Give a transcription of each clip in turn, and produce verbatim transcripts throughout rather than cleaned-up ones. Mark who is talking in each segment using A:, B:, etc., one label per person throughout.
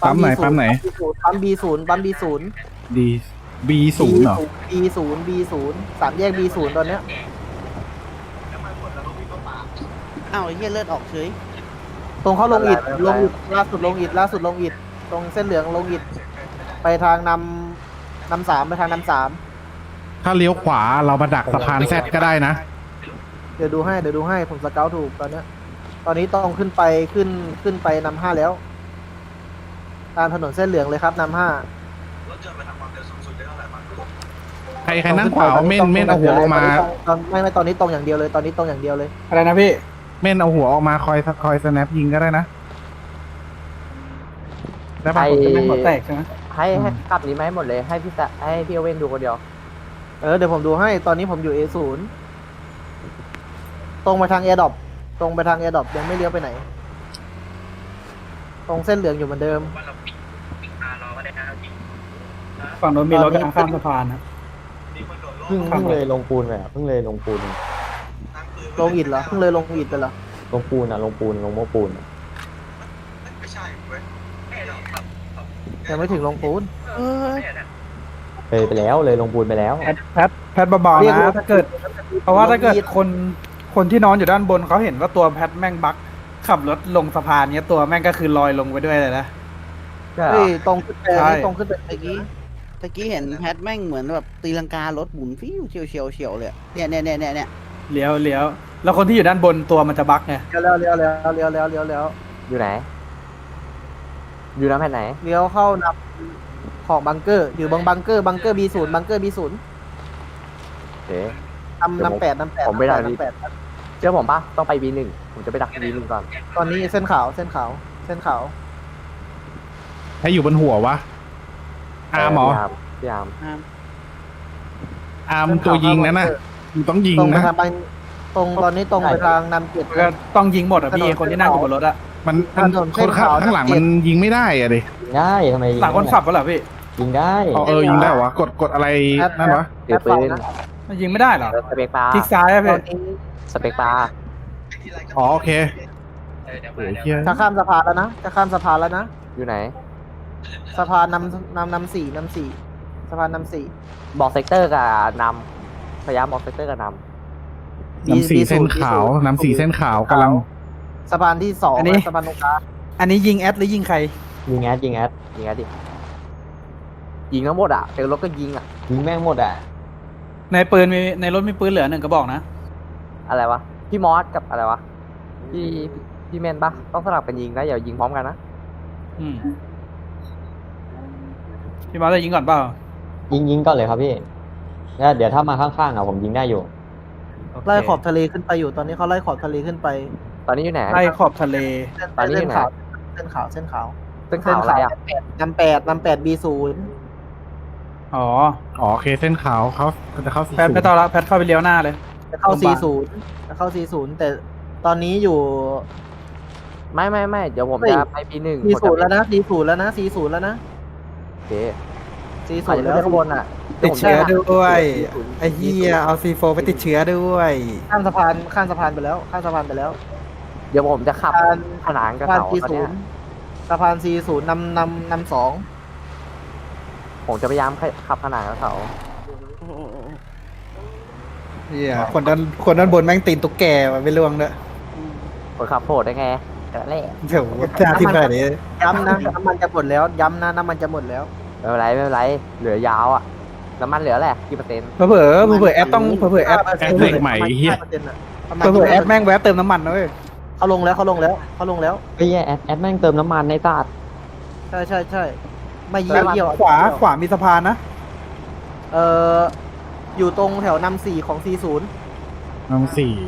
A: ปั๊มไหนปั๊มไหน
B: ปั๊มบีศูนย์ปั๊มบีศูนย์
A: ดีบีศูนย์เหรอ
B: บีศูนย์บีศูนย์สามแยกบีศูนย์ตอนเนี้ย
C: อ้าวไอ้เหี้ยเลือดออกเฉย
B: ตรงเข้าลงอิดลงอิดล่าสุดลงอิดล่าสุดลงอิดตรงเส้นเหลืองลงอิดไปทางนำนำสามไปทางนำสาม
A: ถ้าเลี้ยวขวาเรามาดักสะพานแซดก็ได้นะ
B: เดี๋ยวดูให้เดี๋ยวดูให้ผมสเกลถูกตอนเนี้ยตอนนี้ต้องขึ้นไปขึ้นขึ้นไปนำห้าแล้วตามถนนเส้นเหลืองเลยครับนำห้า
A: ใครใครนั่งขวาเอาเม่นเม่นเอาหัวออกมา
B: ตอนไม่ไม่ตอนนี้ตรงอย่างเดียวเลยตอนนี้ตรงอย่างเดียวเลย
D: อะไรนะพี่
A: เม่นเอาหัวออกมาคอยคอยสแนปยิงก็ได้นะได้ปะ
E: ไอ้
D: เป็นหัวแตกใช่ไหม
E: ให้ให้กลับนี้มาให้หมดเลยให้พี่ตะให้พี่โอเว่นดูคนเดียว
B: เออเดี๋ยวผมดูให้ตอนนี้ผมอยู่ เอ ศูนย์ ตรงไปทางแอร์ดรอปตรงไปทางแอร์ดรอปยังไม่เลี้ยวไปไหน ตรงเส้นเหลืองอยู่เหมือนเดิม
D: ฝั่งโน้นมีรถกำลังข้ามสะพานนะ
E: เพิ่งเพิ่งเลยลงปูนไปอ่ะเพิ่งเลยลงปูน
B: ลงอิดเหรอเพิ่งเลยลงอิดไปเหรอ
E: ลงปูนอ่ะลงปูนลงโม้ปูนอะ
B: ยังไม่ถึงลงปูน
C: เออ
E: เลยไปแล้วเลยลงปูนไปแล้ว
D: แพทแพทแพทเบาๆนะถ้าเกิด เพราะว่าถ้าเกิดคนคนที่นอนอยู่ด้านบนเขาเห็นว่าตัวแพทแม่งบักขับรถลงสะพานเนี้ยตัวแม่งก็คือลอยลงไปด้วยเลยนะ
E: ใช่เหร
B: เฮ้ย
E: อ
B: ตรงขึ้นไป
D: ใช่
B: ตรงขึ้นไป
C: ตะกี้ตะกี้เห็นแพทแม่งเหมือนแบบตีลังการถหมุนฟิวเฉียวเฉียวเฉียวเลยเนี่ยเนี่ยเนี่ยเนี่ยเนี่ย
D: เลี้ยวเลี้ยวแล้วคนที่อยู่ด้านบนตัวมันจะบักไง
B: เลี้ยวเลี้ยวเลี้ยวเลี้ยวเลี้ยวเลี้ยวเลี้ยว
E: อยู่ไหน อยู่น้ำแผ่นไหน
B: เลี้ยวเข้านำของบังเกอร์อยู่บังบังเกอร์บังเกอร์บีศูนย์บังเกอร์บีศูนย์
E: เอ๊ะ
B: นำนำแปดนำแปด
E: ผมไม่ได้
B: นำแปด
E: เชื่อผมปะต้องไปบีหนึ่งผมจะไปดักบีหนึ่งก่อน
B: ตอนนี้เส้นขาวเส้นขาวเส้นขาว
A: ให้อยู่บนหัววะอาร์มเหรอ
E: พี่อาร์ม
C: อ่า
A: อาร์มตัวยิงนั่นน่ะมึงต้องยิง
B: ตรงไป
A: นะ
B: ทางไปตรงตอนนี้ตรงไปทางนำเจ็ด
D: มันก็ต้องยิงหมดอ่ะพี่คนที่นั่งอยู่บนรถอะ
A: มันมัน
B: ถนน
A: ค
B: เส้
A: น
B: น
A: ข้าง
B: ขาว
A: ข้างหลังมันยิงไม่ได้อะดิ
E: ยิงได้ทำไมยิง
D: หลังคนขับก็เหรอพี่
E: ยิงได้
A: อ๋อเออยิงได้เหรอวะกดกดอะไรนั่นวะ
E: ถือปืน
D: มันยิงไม่ได้เหรอ
E: สเปกปลา
D: คลิกซ้ายอะ
B: ต
D: พี่
B: อนนี้
E: สเปกปลา
A: อ๋อโอเคโอ้ยเฮีย
B: จะข้ามสะพานแล้วนะจะข้ามสะพานแล้วนะ
E: อยู่ไหน
B: สะพานนำนำนำสี่นำสี่สะพานนำสี่
E: บอกเซกเตอร์กับนำพยายามบอกเซกเตอร์กับน
A: น้ำสีเส้นขาวน้ำสีเส้นขาวกำลัง
B: สะพานที่สอง
D: อันนี้
B: สะพานตรงกลาง
D: อันนี้ยิงแอดหรือยิงใคร
E: ำยิงแอดยิงแอดยิงแอดดิยิงทั้งหมดอ่ะเจอรถก็ยิงอ่ะยิงแม่งหมดอ่ะ
D: ในปืนมีในรถมีปืนเหลือหนึ่งกระบอกนะ
E: อะไรวะพี่มอสกับอะไรวะพี่พี่เมนปะต้องสลับกันยิงนะอย่ายิงพร้อมกันนะ
D: อืมพี่มาจะยิงก่อนเปล่า
E: ยิงยิงก่อนเลยครับพี่แล้วเดี๋ยวถ้ามาข้างๆอ่ะผมยิงได้อยู่
D: โเค
B: ไล่ขอบทะเลขึ้นไปอยู่ตอนนี้เขาไล่ขอบทะเลขึ้นไป
E: ตอนนี้อยู่ไหน
D: ไล่ขอบทะเล
B: เส้น
E: ตอนนี้
B: เส้
E: อยู่
B: น
E: ไหน
B: ขาวเส้นขาวเส้นขาว
E: เป็นข่าวอะไรอ่ะ
B: นำแปดนำแปดบีศูนย์
D: อ๋อ
A: อ๋อโอเคเส้นขาวเขาเขาจะเข้าสี่
D: แพทไม่ต้องละแพทเข้าไปเลี้ยวหน้าเลย
B: จะเข้า
D: ลง
B: สี่
D: มา
B: ศูนย์จะเข้าสี่ศูนย์แต่ตอนนี้อยู่
E: ไม่ไม่ไม่เดี๋ยวผม
B: เฮ้ย
E: จะไปปีหนึ่ง
B: สี่ศูนย์แล้วนะสี่ศูนย์แล้วนะสี่ศูนย์แล้วนะ
E: โอเค
B: สี่ศู
E: อาจ
B: น
E: จะ
B: ย์
E: ไม่
B: แล้ว
E: ได้ข้างบนอ่ะ
D: ติดเชื้อด้วย
E: สี่ศูนย์
D: ไอ้เหี้ยเอาซีโฟไปติดเชื้อด้วย
B: ข้ามสะพานข้ามสะพานไปแล้วข้ามสะพานไปแล้ว
E: เดี๋ยวผมจะขับ
B: การ
E: ขนานกับ
B: สะพาน
E: เขา
B: สี่
E: ตอน
B: ศู
E: เนี้
B: น
E: ย
B: ย์สะพานสี่ศูนย์นำนำนำสอง
E: ผมจะพยายามขับขนานกับเขา
C: โอ้โห
D: เหี้ยคนด้านคนด้านบนแม่งตีนตุ๊กแกว่ะไม่ล่วงด้วย
E: คนขับโผล่ได้ไงแค่นั้นแหละ
D: เดี๋ยวหน้าที่ขนาดนี้
B: ย้ำนะน้ำมันจะหมดแล้วย้ำนะน้ำมันจะหมดแล้ว
E: ไม่เป็นไรไม่เป็นไรเหลือยาวอ่ะน้ำมันเหลือแหละกี่เปอร์เซ็นต์
D: เผลอเผลอเผลอแอดต้องเผลอเผลอแอด
A: แอดเด็กใหม่เฮีย
D: เผลอเผลอแอดแม่งแวะเติมน้ำมันนะเว้ย
B: เขาลงแล้วเขาลงแล้วเขาลงแล้ว
E: ไอ้แย่แอดแอดแม่งเติมน้ำมันในตาด
B: ใช่ใช่ใช่ไม่เยี่ยวเยี่ยว
D: ขวาขวามีสะพานนะ
B: เอ่ออยู่ตรงแถวนำสี่ของสี่ศูนย์
A: น้ำสี่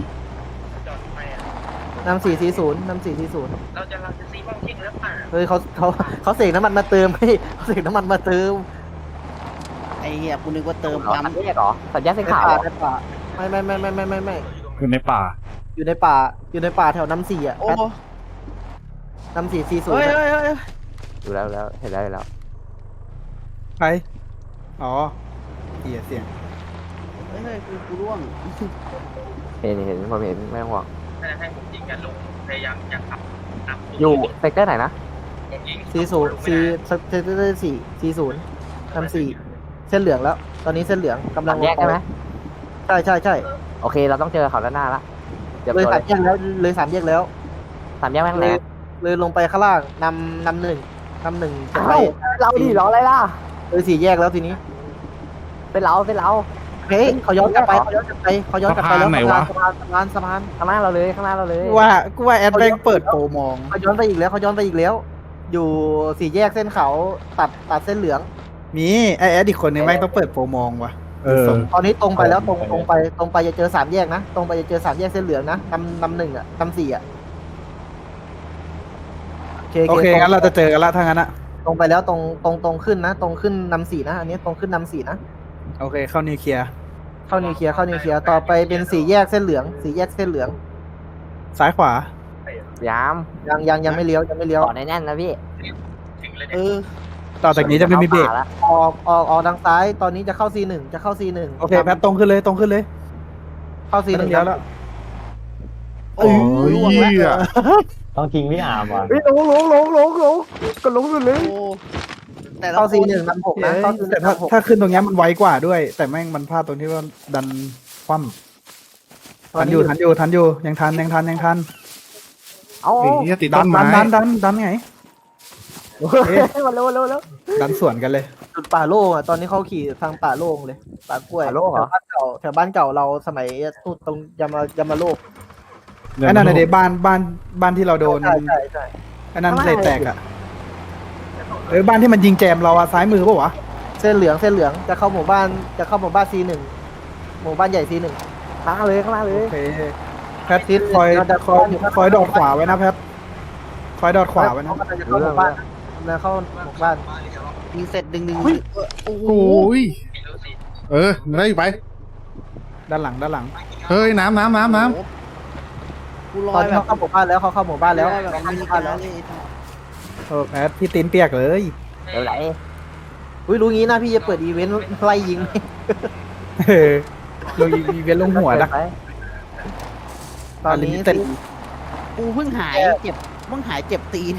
B: นำสี่สี่ศูนย์นำสี่สี่ศูนย์เราจะเราจะซีบ้องทิ้งแล้วป่ะเฮ้ยเขาเขาเขาเสกน้ำมันมาเติมให้เขาเสกน้ำมันมาเติม
C: ไอ้เหี้ยกูนึกว่าเติม
E: เอา
C: ปั๊ม
E: สัญญาณเหรอสัญญาณเส้น
B: ใน
E: ขาว
B: ป่า
E: เหรอ
B: ในป่าไม่ไม่ไม่ไม่ไม่ไม่ไม่
A: คือในป่า
B: อยู่ในป่าอยู่ในป่าแถวน้ำสี่อ่ะ
C: โอ้
B: แพท
C: โห
B: นำสี่สี่ศูน
C: เฮ้
B: ย์
C: ยเฮ้ยเฮ้ย
E: ดูแล้วดูแล้วเห็นแล้วเห็นแล้ว
D: ใครอ๋อเหี้ยเสียง
C: เฮ้ยเฮ้ยกูกูร่วง
E: เห็นเห็นผมเห็นไม่ต้องห่วงอยู่เซกเตอร์ไหนนะ
B: สี่ศูนย์สี่เซตเตอร์สี่สี่ศูนย์นำสี่เส้นเหลืองแล้ว ตอนนี้เส้นเหลืองกำลั
E: สาง มแยกใช่ไหม
B: ใช่ใช่ใช่
E: โอเค เราต้องเจอเขาด้านหน้าละเดี๋ยว
B: เลย
E: ตัว
B: สามแยกแล้วเลยสามแยกแล้ว
E: สามแยกแม่ง
B: เล
E: ไหน
B: ยเลยลงไปข้างล่างนำนำหนึ่งนำหนึ่งจะไป
E: เอ้าเราดิรออะไรล่ะ
B: เลยสี่แยกแล้วทีนี้
E: เป็นเราเป็นเรา
B: เฮ้ยเขาย้อนกลับไปเขาย้อนกลับไปเขาย้อนกลับไปแล้ว
A: สะพานไหนวะ
B: สะพานสะพานสะพาน
E: ข้างหน้าเราเลยข้างหน้าเราเลย
D: กูว่ากูว่าแอดแม่งเปิดโปรมอง
B: เขาย้อนไปอีกแล้วเขาย้อนไปอีกแล้ว อยู่สี่แยกเส้นเขาตัดตัดเส้นเหลือง
D: มีไอแอดอีกคนนึงแม่งต้องเปิดโปรมองว่ะ
A: เออ
B: ตอนนี้ตรงไปแล้วตรงตรงไปตรงไปจะเจอสามแยกนะตรงไปจะเจอสามแยกเส้นเหลืองนะนำนำหนึ่งอ่ะนำสี่อ่ะ
D: โอเคงั้นเราจะเจอกันละถ้างั้นอะ
B: ตรงไปแล้วตรงตรงตรงขึ้นนะ ตรงขึ้นนำสี่นะอันนี้ตรงขึ้นนำสี่นะ
D: โอเคเข้านิวเคลียร์
B: เข้านิวเคลียร์เข้านิวเคลียร์ต่อไปเป็นสี่แยกเส้นเหลืองสี่แยกเส้นเหลือง
D: ซ้ายขวา
E: ยาม
B: ยังยังยังไม่เลี้ยวยังไม่เลี้ยว
E: ต่อแน่นๆนะพี่
C: เออ
D: ต่อจากนี้จะไม่มีเบรก
E: ข้าป่าละ
B: ออกออกออกทางซ้ายตอนนี้จะเข้า ซี หนึ่งจะเข้า ซี หนึ่ง
D: โอเคแพทตรงขึ้นเลยตรงขึ้นเลย
B: เข้า ซี หนึ่ง
D: เลี้ยวแล้ว
A: โอ้ยเหี้ย
F: ต้องทิ้งพี่อาร์มว่ะ
E: เฮ้ยลงลงลงลงลงก็ลงสุดเลย
C: โอ้แต่ละ
B: เข้า
C: ค
B: ซี
C: น
B: หนึ่งนำหกนะเข้า ซี
D: แต่ถ้า
B: นำหก
D: ถ้าขึ้นตรงเนี้ยมันไวกว่าด้วย แต่แม่งมันพลาดตรงที่ว่าดันคว่ำทันอยู่ทันอยู่ทันอยู่ยังทันยังทันยังทัน
E: เอา
A: ไอ้เหี้ยติด
D: ดั
A: ต้
D: น
A: น
D: ดั
A: ไม้
D: นดันดันดันไงโอเค
E: มาเร็วเร็วเร็ว
D: ดันสวนกันเลย
B: จุดป่าโล่งอ่ะตอนนี้เขาขี่ทางป่าโล่งเลยป่ากล้วย
E: ป่าโล่งเหรอ
B: แถวบ้านเก่าแถวบ้านเก่าเราสมัยตู้ตรงยามา ยามาโลก
D: ไอ้นั่นในเดบ้านบ้านบ้านที่เราโดน
B: ใช่ใช่ใช่
D: ไอ้นั่นเลยแตกอ่ะเออบ้านที่มันยิงแจมเราอะซ้ายมือปะวะ
B: เส้นเหลืองเส้นเหลืองจะเข้าหมู่บ้านจะเข้าหมู่บ้าน ซี หนึ่งหมู่บ้านใหญ่ ซี หนึ่ง
E: ข้างหน้าเลยข้างหน้าเล
D: โอย เคแพท
B: ทิศ
D: คอย
B: เราจะ
D: คอยคอยดอดขวาไว้นะแพทคอยดอดขวาไว้นะ
B: เขากำลังจะเข้าหมู่บ้านกำลังเข้าหมู่บ้าน
C: ยิงเสร็จดึงดึงโอ้โห
A: โอ้ยเออได้อยู่ไป
D: ด้านหลังด้านหลัง
A: เฮ้ยน้ำน้ำน้ำน้
C: กูล
B: ต
C: อ
B: อน
C: ย
B: นี้
C: แบบ
B: เขาเข้าหมู่บ้านแล้วเขาเข้าหมู่บ้านแล้ว
C: ลอยแบบ
B: เขา
C: อ
B: เข้า
C: เม
B: ห
C: ริ
B: มู่บ้านแล้ว
C: กาเลย
D: เออแพทพี่ตีนเปียกเลย
E: เดี๋ยวไหล
B: อุ้ยรู้งี้นะพี่จะเปิดอีเวนต์ไล่ยิง
D: เออลงอีเวนต์ลงหัวนะ
E: ไป
B: ตอนนี้
D: เต็ม
C: กูเพิ่งหายเจ็บเพิ่งหายเจ็บตีน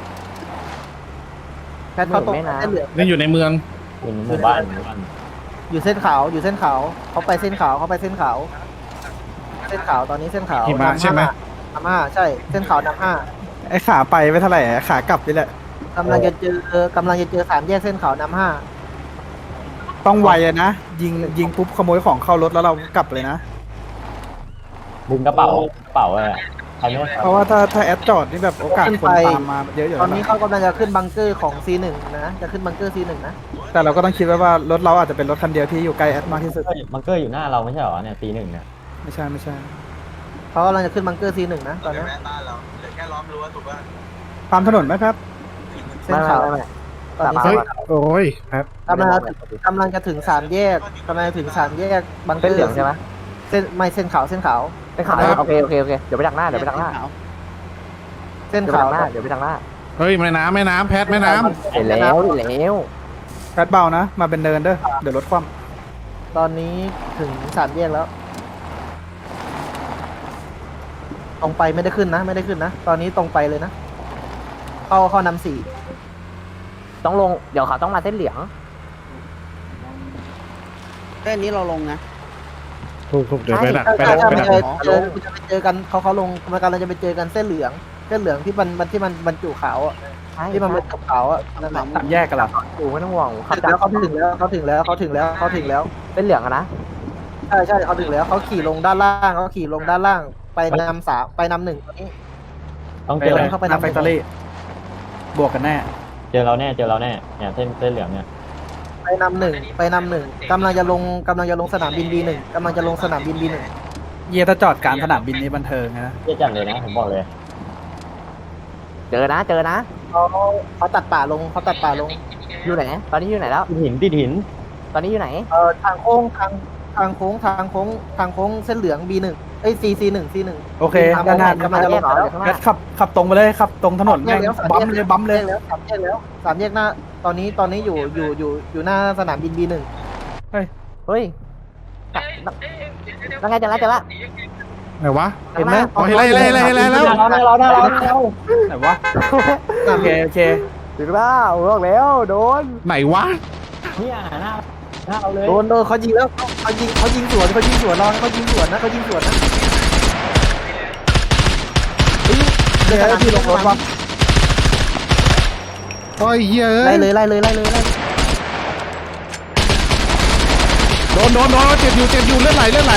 B: แพทเขาตรงเส้นเหลือง
A: ำนี่อยู่ในเมือง
F: อยู่ในหมู่บ้านหมู่บ้าน
B: อยู่เส้นขาวอยู่เส้นขาวเขาไปเส้นขาวเขาไปเส้นขาว เส้นขาวตอนนี้เส้นขาว
A: หิมะใช่ไหม
B: นำห้าใช่เส้นขาวนำห้า
D: ไอ้ขาไปไม่เท่าไหร่อะขากลับนี่แหละ
B: กำลังจะเจอกำลังจะเจอสามแยกเส้นขาวนำห้า
D: ต้องไวอะนะยิงยิงปุ๊บขโมยของเข้ารถแล้วเรากลับเลยนะ
F: ดึงกระเป๋ากระเป๋าอะไรอะใครไม่ได้
D: เพราะว่าถ้าถ้าแอดจอดนี่แบบโอกาสคนตามมาเยอะอยู่
B: ต
D: แล้
B: อน
D: ว
B: นี้
D: นะ
B: เขากำลังจะขึ้นบังเกอร์ของ ซี หนึ่ง นะจะขึ้นบังเกอร์ ซี หนึ่ง นะ
D: แต่เราก็ต้องคิดไว้ว่ารถเราอาจจะเป็นรถคันเดียวที่อยู่ใกล้แอดมากที่สุด
F: เฮ้ยบังเกอร์อยู่หน้าเราไม่ใช่เหรอเนี่ยตีหนึ่งเนี่ย
D: ไม่ใช่ไม่ใช่
B: เขากำลังจะขึ้นบังเกอร์ ซี หนึ่ง นะตอนนี้
D: ตามถนนไหมครับ
B: เส้
E: ไม่
B: น
E: ไม่
B: ขาว
E: ไม่ไม่
B: ตอนนี้
E: ตามมา
B: เส้น
A: โอ้ยแพท
B: กำลังจะกำลังจะถึงสามแยกกำลังจะถึงสามแยกบังเกอ
E: เส้น
B: ร์
E: เหลืองใช่ไหม
B: เส้นไม่เส้นขาวเส้นขาว
E: เส้นขาวโอเคโอเคโอเคเดี๋ยวไปทางหน้าเดี๋ยวไปทางหน้า
B: เส้น
E: เดี๋ยวไป
B: ขาว
E: ทางหน้าเดี๋ยวไปทางหน้า
A: เฮ้ยแม่น้ำแม่น้ำแพทแม่น้
E: เห็นแล้วเห็นแล้ว
D: แอดเบานะ มาเป็นเดินเด้อเดี๋ยวรถคว่
B: ตอนนี้ถึงสามแยกแล้วตรงไปไม่ได้ขึ้นนะ ไม่ได้ขึ้นนะ ตอนนี้ตรงไปเลยนะ เข้าเข้านำสี่
E: ต้องลงเดี๋ยวเขาต้องมาเส้นเหลือง
C: แค่นี้เราลงนะ
A: ำถูกถูกเดี๋ยวไปดักไป
B: ใช่
A: ดัก
B: ใช่
A: ไป
B: มัน
A: ดัก
B: จะเจอจะไปเจอกันเขาเขาลงมันกำลังจะไปเจอกันเส้นเหลือง เส้นเหลืองที่มันมันที่มันบรรจุขาวอ่ะ
E: ใช่
B: ที่มันเป็นขาวๆอ่ะนั่นแหละ
D: ำสามแยกกันเหรอ
E: ดูไม่ต้องห่วงขับ
B: ถึง
E: จาก
B: แล้วเขาถึงแล้วเขาถึงแล้วเขาถึงแล้วเขาถึงแล้ว
E: เส้นเหลืองอะนะ
B: ใช่ใช่เขาถึงแล้วเขาขี่ลงด้านล่างเขาขี่ลงด้านล่าง ไปนำสามไปนำหนึ่งตอนนี้
F: ต้อง
D: ไป
F: เจอ
D: เลย
B: เข้าไป
D: หน้าแฟคทอรี่บวกกันแน่
F: เจอเราแน่เจอเราแน่เนี่ยเส้นเส้นเหลืองเนี่ย
B: ไปนำหนึ่งไปนำหนึ่งกำลังจะลงกำลังจะลงสนามบิน บี หนึ่งกำลังจะลงสนามบิน บี หนึ่ง
D: เยียถ้าจอดกลารสนามบินนี้บันเทิงนะ
F: เจ๊จัดเลยนะผมบอกเลย
E: เจอนะเจอนะ
B: เขาเขาตัดป่าลงเขาตัดป่าลง
E: อยู่ไหนตอนนี้อยู่ไหนแล้ว
F: ติดหินติดหิน
E: ตอนนี้อยู่ไหน
B: เอ่อทางโค้งทางทางโค้งทางโค้งทางโค้งเส้นเหลือง บี หนึ่ง เอ้ย C C หนึ่ง C หนึ่ง
D: โอเคด้านหน้าก
B: ำลังจะลง
E: เหรอ
B: แล้ว
E: เดี๋ยวข้างห
D: แอ
E: น้า
D: ดขับขับตรงไปเลยขับตรงถนนแม่งบัมเลยบัมเลย
B: สามแยกแล้วสามแยกแล้วสามแยกหน้า ตอนนี้ตอนนี้อยู่อยู่อยู่อยู่หน้าสนามบิน บี หนึ่ง
E: เฮ้ยแล้วไงเจอละเจอละ
A: ไหนวะ
B: เห็นไหม
A: อ๋อเห็นแล้วเห็นแล้วเห็นแล้วเห็นแล้ว
F: เราได้เราได้เราได้เรา
D: ไหนวะโอเคโอเค
E: ถึงแล้วบอกแล้วโดน
A: ไหนวะ
F: เนี่ยหน้าหน้าเราเลย
B: โดนโดนเขายิงแล้วเขายิงเขายิงสวนเขายิงสวนเราเขายิงสวนนะเขายิงสวนนะเดี๋ยวพี่ลงรถวะ
A: โอ้ยเหี้ยเอ้
B: ไล่
A: ย
B: เลยไล่เลยไล่เลยไล่
A: โดนโดนโดนเจ็บอยู่เจ็บอยู่เลือดไหลเลือดไหล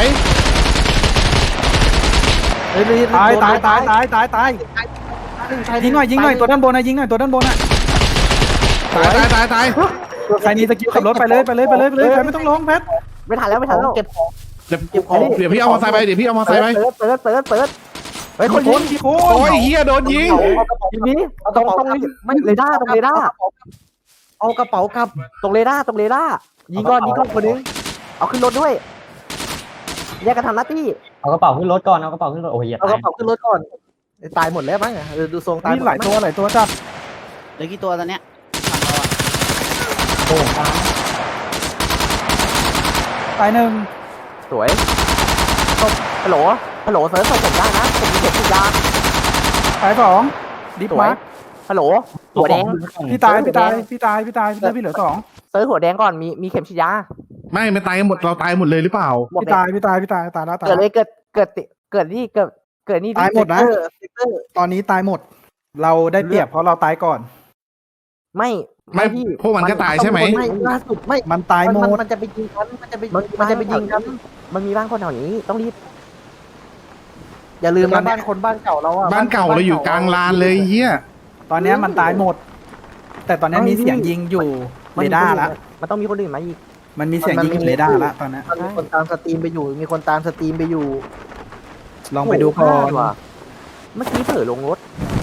B: เฮ้ย
D: ตายตายตายตายตายตายยิงหน่อยยิงหน่อยตัวด้านบนนะยิงหน่อยตัวด้านบนอ่ะ
A: ตายตายตายตาย
D: ใครมีสกิลขับรถไปเลยไปเลยไปเลยไปเลยใครไม่ต้องร้องแพท
E: ไม่ทันแล้วไม่ทันแล้ว
B: เก็บของ
A: เดี๋ยวเดี๋ยวพี่เอามอไซค์ไปเดี๋ยวพี่เอามอไซ
E: เปิ
A: ค์
E: ด
A: ไป
E: เปิดเปิดเปิดเปิดเฮ้ย
D: ค
E: คน
D: น
E: ยิง
D: กี่ค
A: โอ้
D: น
A: ยเหี้ยโดนยิง
E: ทีนี้ตรงตรงไม่เรดาร์ตรงเรดาร์
B: เอากระเป๋ากลับ
E: ตรงเรดาร์ตรงเรดาร์ยิงก่อนยิงก่อนคนนึงเอาขึ้นรถด้วยแยกกันทำหน้าที่
F: เอากระเป๋าขึ้นรถก่อนเอากระเป๋าขึ้นรถโอ้ยอย่า
B: เอาก
F: ตาย
B: ระเป๋าขึ้นรถก่อนตายหมดแล้วมั้งเออดูทรงตาย
D: มีหลายตัวหลายตัวจัด
C: เหลือกี่ตัวตอนเนี้ย
F: โอ้ตาย
D: ตายหนึ่ง
E: สวยฮัลโหลฮัลโหลเซิร์ฟส่งผมได้นะผมมีเข็มฉีดยา
D: ตายสองดิฟ
E: สวย
D: มาร์ค
E: ฮัลโหลหัวแดง
D: พี่ตายพี่ตายพี่ตายพี่ตายพี่ตายพี่เหลือสอง
E: เซิร์ฟหัวแดงก่อนมีมีเข็มฉีดยา
A: ไม่ไม่ตายกันหมดเราตายหมดเลยหรือเปล่า
E: หมด
D: พี่
E: เลย
D: ตายพี่ตายพี่ตายตายแล้วตาย
E: เกิดเลยเกิดเกิดติเกิดนี่เกิดเกิดนี่
D: ตายหมดนะ
B: เออเซกเตอร์
D: ตอนนี้ตายหมด เราได้เปรียบเพราะเราตายก่อน
E: ไม่
A: ไม่พวกมันก็ตายใช่ไหม
B: ไม่ล่าสุดไม่
D: มันตายหม
B: มัน
D: ด
B: มันจะไปยิงกันมันจะไปมันจะไปยิงกัน
E: มันมีบ้านคนแถวนี้ต้องรีบ
B: อย่าลืมนะบ้านคนบ้านเก่าเราอะ
A: บ้านเก่าเราอยู่กลางลานเลยเหี้ย
D: ตอนเนี้ยมันตายหมด แต่ตอนเนี้ยมีเสียงยิงอยู่เรดาร์ละ
E: มันต้องมีคนอื่นมาอีก
D: มันมีเสียงยิงอยู่เรดาร์ละตอนเนี้ย
B: มันมีคนตามสตรีมไปอยู่ มีคนตามสตรีมไปอยู่
D: ลองไปดูก่อน
E: ว่ะเมื่อกี้เผลอลงรถ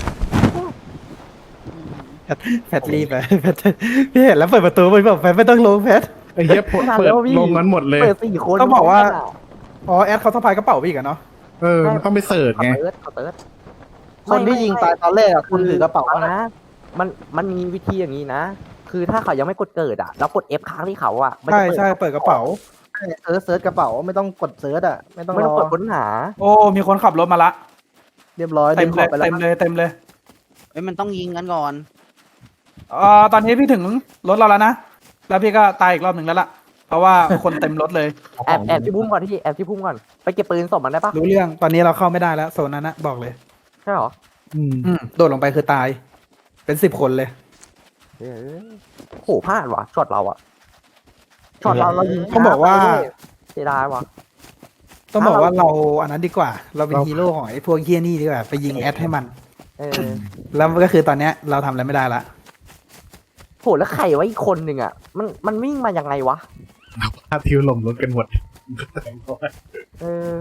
D: แพทรีบไปแพทพี่เห็นแล้วเปิดประตูไปบอกแพทไม่ต้องลงแพท
A: ไอ้เหี้ยเปิดเปิดลงกันหมดเลย
E: เปิดสี่คน
D: ต้องบอกว่า อ๋อแอดเขาสะพายกระเป๋าไปอีกอะเนาะ
A: เออมันต้องไปเสิร์ช
E: ขอ
A: ไง
E: เติร์ดขอเติร์ด
B: คนที่ยิงตายตอนแรกอะคุณถือกระเป๋า
E: ฟัง
B: นะ
E: นะ มันมันมีวิธีอย่างนี้นะ คือถ้าเขายังไม่กดเกิดอ่ะแล้วกด F ค้างที่เขาอ่ะมัน
D: ใช่
E: จะเปิด
D: ใช่เปิดกระเป๋า
B: เซิร์ชเซิร์ชกระเป๋าไม่ต้องกดเซิร์ชอะไม่ต้อง
E: ไม่
B: ร
E: ต้อง
B: อก
E: ดค้นหา
D: โอ้มีคนขับรถมาละ
B: เรียบร้อย
D: เต็ม
B: ข
D: เล
B: อย บไปแล้
D: เต็
B: ว
D: มเลยเต็มเลย
C: เอ้ยมันต้องยิงกันก่อน
D: เอ่อตอนนี้พี่ถึงรถเราแล้วนะแล้วพี่ก็ตายอีกรอบหนึ่งแล้วล่ะเพราะว่าคนเต็มรถเลย
E: แอบแอบที่พุ่มก่อนที่แอบที่พุ่มก่อนไปเก็บปืนศพมันได้ปะ
D: รู้เรื่องตอนนี้เราเข้าไม่ได้แล้วโซนนั้นนะบอกเลย
E: ใช่หรอ
A: อืม
D: อืมโดดลงไปคือตาย เป็นสิบคนเลย
E: เออโหพลาดว่ะช็อตเราอ่ะช็อตเราเรายิง
D: เขาบอกว่า
E: เสียดายว่ะ
D: ต้องบอกว่าเราอันนั้นดีกว่า เราเป็นฮีโร่ของไอ้พวกเฮียนี่ดีกว่าไปยิงแอดให้มัน
E: เออ
D: แล้วก็คือตอนเนี้ยเราทำอะไรไม่ได้ละ
E: โหแล้วใครวะอีกคนหนึ่งอ่ะ มันมันวิ่งมายังไงวะ
A: พาทิวหล่มรถกันหมด
E: เออ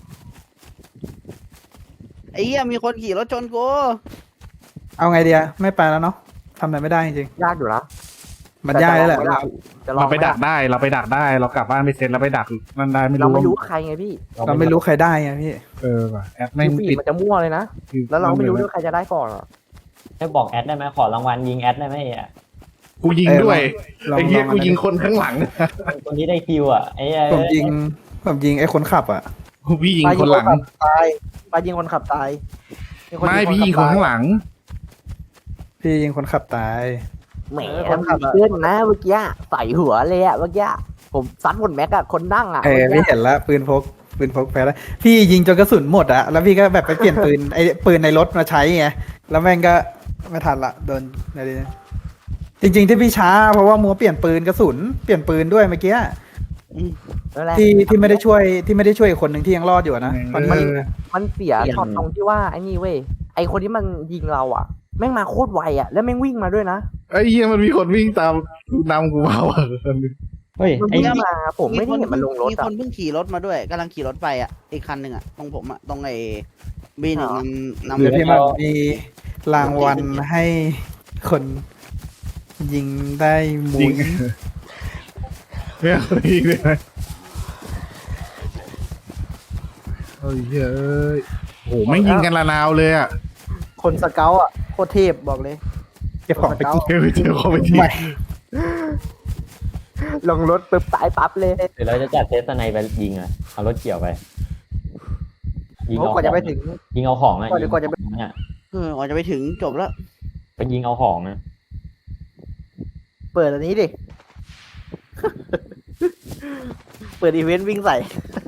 C: ไอ้เหี้ยมีคนขี่รถชนกู
D: เอาไงเดียไม่ไปแล้วเนาะทำอะไรไม่ได้จริง
E: ยากอยู่นะ
D: ๆมันยากแล้วแหละ
E: จะลอง
A: เราไป
E: หม
A: ดักได้เราไปดักได้เรากลับบ้านไปเซ็ตแล้วไปดักนั่นได้ไม่
E: เรา
A: รู้
E: ไม่รู้ว่าใครไงพี่
D: เราไม่รู้ใครได้ไงพี่
A: เออว่ะแอด
E: ไม่
A: ไม่ง
E: ปี
A: ปิด
E: มันจะมั่วเลยนะ แล้วเราไม่รู้ด้วยใครจะได้ก่อนอ่ะ
F: ให้บอกแอดได้ไหมขอรางวัลยิงแอดได้ไหมอ่ะ
A: กูยิงด้วย
D: ลอง
A: ไอ้เหี้ย
D: ลอง
A: กูยิงคนข้างหลัง
F: คนนี้ได้คิวอ่ะไอ้เอ้ย
D: ผมยิงผมยิงไอ้คนขับอ่ะ
A: กูพี่ยิงคนหลัง
B: ตายไปยิงคนขับตาย
A: ไม่พี่ยิงคนข้างหลัง
D: พี่ยิงคนขับตาย
E: แหมเพื่อนนะเมื่อกี้ใส่หัวเลยอ่ะเมื่อกี้ผมซัดหมดแม็กอะคนนั่งอ่ะ
D: เออพี่เห็นแล้วปืนพกปืนพกแพ้แล้วพี่ยิงจนกระสุนหมดอะแล้วพี่ก็แบบไปเปลี่ยนปืนไอ้ปืนในรถมาใช้ไงแล้วแม่งก็ไม่ทันละโดนอะไรเนี่ยจริงๆที่พี่ช้าเพราะว่ามัวเปลี่ยนปืนกระสุนเปลี่ยนปืนด้วยเมื่อกี้
E: นั่นแหละ
D: ที่ที่ไม่ได้ช่วยที่ไม่ได้ช่วยอีกคนหนึ่งที่ยังรอดอยู่อะนะตอนนี้
A: เออ
E: มันเสียช็อตตรงที่ว่าไอ้นี่เว้ยไอ้คนที่มันยิงเราอ่ะ แม่งมาโคตรไวอ่ะแล้วแม่งวิ่งมาด้วยนะ
A: ไอ้เหี้ยมันมีคนวิ่งตามนำกูมาว่ะ
F: เฮ้ย
E: มัน
F: ไอ้
E: วิ่ง
F: นี่
E: มาผมไม่ได้เห็นมันลงรถ
C: มี
E: อ่ะ
C: คนเพิ่งขี่รถมาด้วยกำลังขี่รถไปอ่ะอีกคันหนึ่งอ่ะตรงผมอ่ะตรงไอ้บีหนึ่งนำนำ
D: เดี๋ยวพี่มันมีรางวัลให้คนยิงได้หมุ
A: ยิ
D: น
A: งเนี่ยยิงเลยไหมเฮ้ยเฮ้ยโอ้โหไม่งยิงกันละนาวเลยอ่ะ
B: คนสเกลอะโคตรเทพบอกเลย
D: เก็บของไปกิน
A: เฮ้ยไปเจอเขาไปที
D: ไม่
E: ลงรถปึ๊บตายปั๊บเลย
F: เดี๋ยวเราจะจัดเทสไนไปยิงอ่ะเอารถเกี่ยวไปยิง
B: โอ้
F: เอา
B: กว่าจะไปถึง
F: ยิงเอาของอะ
B: ก่อนดีกว่าจะไป
F: ยิงเอาของเนี่ย
C: เออก่อนจะไปถึงจบแล้ว
F: ไปยิงเอาของนะ
B: เปิดอันนี้ดิ เปิดอีเวนต์วิ่งใส่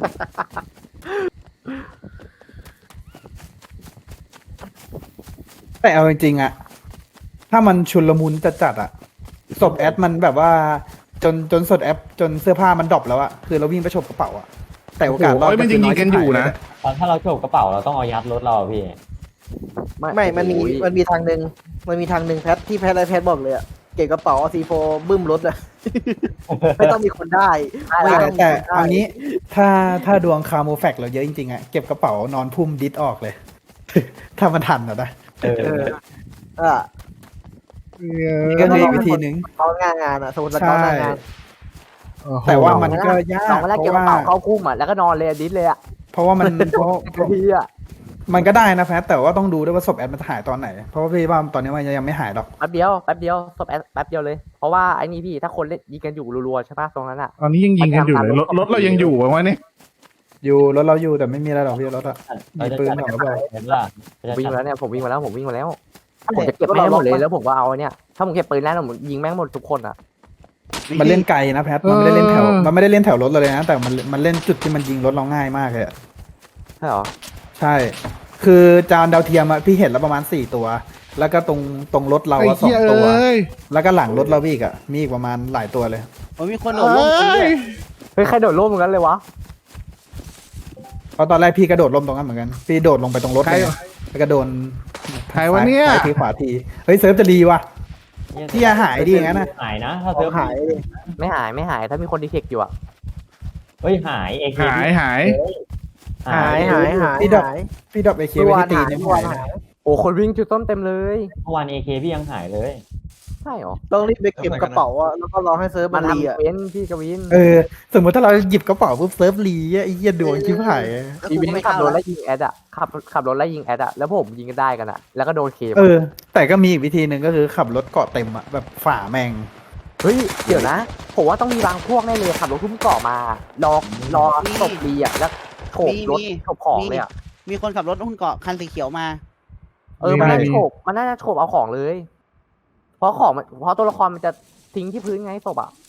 D: แต่เอาจริงๆอะถ้ามันชุลมุนจัดจัดๆอะศพแอดมันแบบว่าจนจนสดแอปจนเสื้อผ้ามันดรอปแล้วอะคือเราวิ่งไปฉกกระเป๋าอะแต่โอกาสรอด
A: โอ้ยมันยังยิงกันอยู่นะ
F: ตอนถ้าเราโฉบกระเป๋าเราต้องเอายัดรถเราอะพี่
B: ไม่ มันมี
E: โอ้ย
B: มันมีทางหนึ่งมันมีทางหนึ่งแพทที่แพทไรแพทบอกเลยอะเก็บกระเป๋าเอาซีโฟบึ้มรถอะ ไม่ต้องมีคนได้ไม่
D: แต่
B: ต้องมี
D: แต่
B: คนได้
D: เอางี้ถ้าถ้าดวงคาโมแฟกเราเยอะจริงๆอะเก็บกระเป๋านอนพุ่มดิสออกเลย ถ้ามันทันอะนะ
F: เออ
B: เออเออ
D: นี่ก็มีวิธีหนึ่ง
B: เขางานงานอะสมมติเขางานงาน
A: โอ้โห
D: แต่ว่ามันก็ยา
E: สอก งเวลา
D: เพ
E: เก็บ
D: ราะ
E: กระ
D: ว่า
E: เป๋าเข้าคุ้มอ่ะแล้วก็นอนเลยอะดิสเลยอ่ะ
D: เพราะว่ามันเพราะเพราะ
E: พี่อ่ะ
D: มันก็ได้นะแพทแต่ว่าต้องดูด้วยว่าศพแอดมันหายตอนไหน เพราะว่าพี่ว่าตอนนี้มันยังไม่หายหรอก
E: แป๊บเดียวแป๊บเดียวศพแอดแป๊บเดียวเลย เพราะว่าไอ้นี่พี่ถ้าคนเล่นยิงกันอยู่รัวๆใช่ปะตรงนั้นอ่ะ
A: ตอนนี้ยังยิงกันอยู่เลยรถรถเรายังอยู่วะเนี่ย
D: อยู่รถเราอยู่แต่ไม่มีอะไรหรอกพี่รถอะ
F: เรา
D: มี
F: จะ
D: ปืน
F: จัด
D: หรอหรือเปล่า
F: เห็นป่ะเราจะ
E: วิ่ง
F: จัด
E: มาแล้วเนี่ยผมวิ่งมาแล้วผมวิ่งมาแล้วผมจะเก็บแม่งหมดเลยแล้วผมก็เอาเนี่ยถ้าผมเก็บปืนแล้วผมยิงแม่งหมดทุกคนอ่ะ
D: มันเล่นไกลนะแพทมันไม่ได้เล่นแถวมันไม่ได้เล่นแถวรถเราเลยนะแต่มันมันเล่นจุดที่มันยิงรถเราง่ายมากเลยอะ
E: ใช่เหรอ
D: ใช่ คือจานดาวเทียมอะพี่เห็นแล้วประมาณสี่ตัว แล้วก็ตรงตรงรถเรา
A: ไอ้
D: อะสอ
A: เหี้
D: ง
A: ย
D: ตัว
A: เอ้ย
D: แล้วก็หลังรถเราอีกอะมีอีกประมาณหลายตัวเลย
C: มันมีคนโด
A: เอ
C: ดลงพื้นด้
A: ้
C: วย
A: ย
E: เฮ้ยใครโดดร่มเหมือนกันเลยวะ
D: เพราะตอนแรกพี่กระโดดลงตรงนั้นเหมือนกัน พี่โดดลงไปตรงรถ
A: ใคร
D: เลยแล้วก็โดน
A: ใครวะเนี่ย
D: ซ้าทีขวาที เฮ้ยเซิร์ฟจะรีว่ะ พี่อย่าหายดิอย่างนั้นนะ
F: หายนะถ้า
B: ขอ
F: เซิ
B: ง
F: ร์ฟ
B: หายเลย
E: ไม่หายไม่หายถ้ามีคนดีเทคอยู่อ่ะ
F: เฮ้ยหายเอเค
A: หายหาย
B: หายหายหาย
D: พี่ดอก
B: หาย
D: พี่ดรอปไอเค
B: เมื่อ
D: ไว้
B: วาน
D: ที่ตี
B: หาย
D: เนี่ย
B: เมื่อวาน
D: หาย
B: หาย
E: โอ้คนวิ่งจุดต้นเต็มเลย
F: เมื่อวานเอเคพี่ยังหายเลย
E: ใช่เหรอ
B: ต้องรีบไปเก็บกระเป๋าอะแล้วก็รอให้เซิร์ฟ
E: มั
B: มัน นรี
E: ทำ
B: อะ
E: เว้นพี่กวิน
D: เออ สมมติถ้าเราหยิบกระเป๋าปุ๊บเซิร์ฟรีอะไอ้เหี้ยดวงชิบหายอะ
E: อีวินขับรถไล่ยิงแอดอ่ะขับขับรถไล่ยิงแอดอ่ะแล้วผมยิงกันได้กันอ่ะแล้วก็โดนเคม
D: เออ แต่ก็มีอีกวิธีหนึ่งก็คือขับรถเกาะเต็มอะแบบฝ่าแมง
E: เฮ้ยเดี๋ยวนะผมว่าต้องมีบางพวกแน่เลยขับรถทุ่มเกาะมารอรอตบดีอ่ะแล้วโฉบรถโฉบของเลยอ่ะ
C: มีคนขับรถหุ้นเกาะคันสีเขียวมา
E: เออ มันน่าจะโฉบมันน่าจะโฉบเอาของเลย เพราะของมันเพราะตัวละครมันจะทิ้งที่พื้นไงศพอ่ะ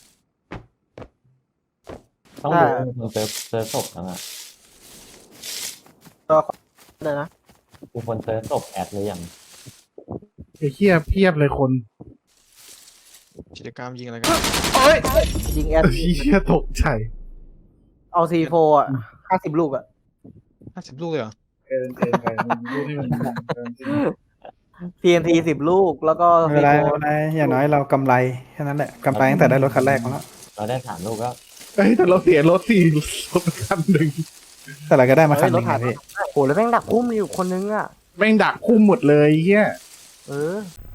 F: ต้องดูคนเซิร์ฟเซิร์ฟศพแล้วอะ
B: เลยนะ
F: กูคนเซิร์ฟศพแอดเลยยัง
A: ไอ้เหี้ยเพียบเลยคน
G: กิจกรรมยิงอะไรกัน
A: โอ้ย
B: ยิงแอด
A: ไอ้เหี้ยตกใจ
B: เอาซีโฟอะห้าสิบลูกอะ
G: ห้าสิบลูกเลยเหรอ
A: เกินเกินไปดูที่มันเกินจริง
B: ทีเอ็นทีสิบลูกแล้วก็
D: ไม่
B: ซี
D: เป็นไร
B: โฟ
D: ไม่เป็นไรอย่างน้อยเรากำไรแค่นั้นแหละกำไรตั้งแต่ได้รถคันแรกมาแล้ว
F: เราได้สามลูกก็
A: เอ้ยแต่เราเสียรถสี่รถคันหนึ่ง
D: แต่เราก็ได้มาคันหนึงนะพี่
E: โหแล้วแม่งดักคุ้มอยู่คนนึงอ่ะ
A: แม่งดักคุ้มหมดเลยไอ้เหี้ย
E: เออ